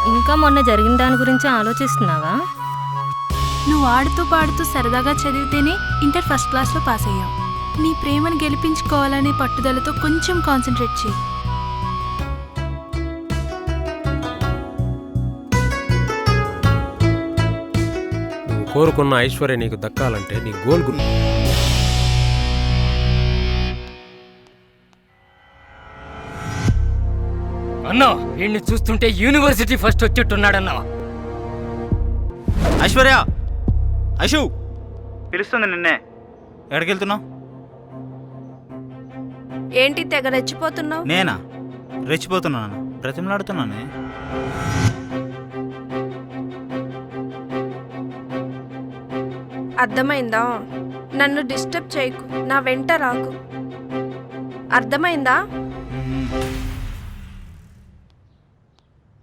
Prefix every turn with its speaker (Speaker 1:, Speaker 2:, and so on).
Speaker 1: ఇంకా మొన్న జరిగిన దాని గురించి ఆలోచిస్తున్నావా?
Speaker 2: నువ్వు ఆడుతూ పాడుతూ సరదాగా చదివితేనే ఇంటర్ ఫస్ట్ క్లాస్లో పాస్ అయ్యావు. నీ ప్రేమను గెలిపించుకోవాలనే పట్టుదలతో కొంచెం కాన్సన్ట్రేట్ చేయి.
Speaker 3: నువ్వు కోరుకున్న ఐశ్వర్య నీకు దక్కాలంటే నీ గోల్
Speaker 4: అన్నా వీడిని చూస్తుంటే యూనివర్సిటీ ఫస్ట్ వచ్చేట్టున్నాడన్నా.
Speaker 5: ఐశ్వర్య, ఐషు
Speaker 6: పిలుస్తుంది నిన్నే.
Speaker 5: ఎక్కడికి వెళ్తున్నావు?
Speaker 7: ఏంటి తెగ రెచ్చిపోతున్నావు?
Speaker 5: నేనా రెచ్చిపోతున్నాను? బ్రతిమలాడుతున్నానే.
Speaker 7: అర్థమైందా? నన్ను డిస్టర్బ్ చేయకు, నా వెంట రాకు. అర్థమైందా?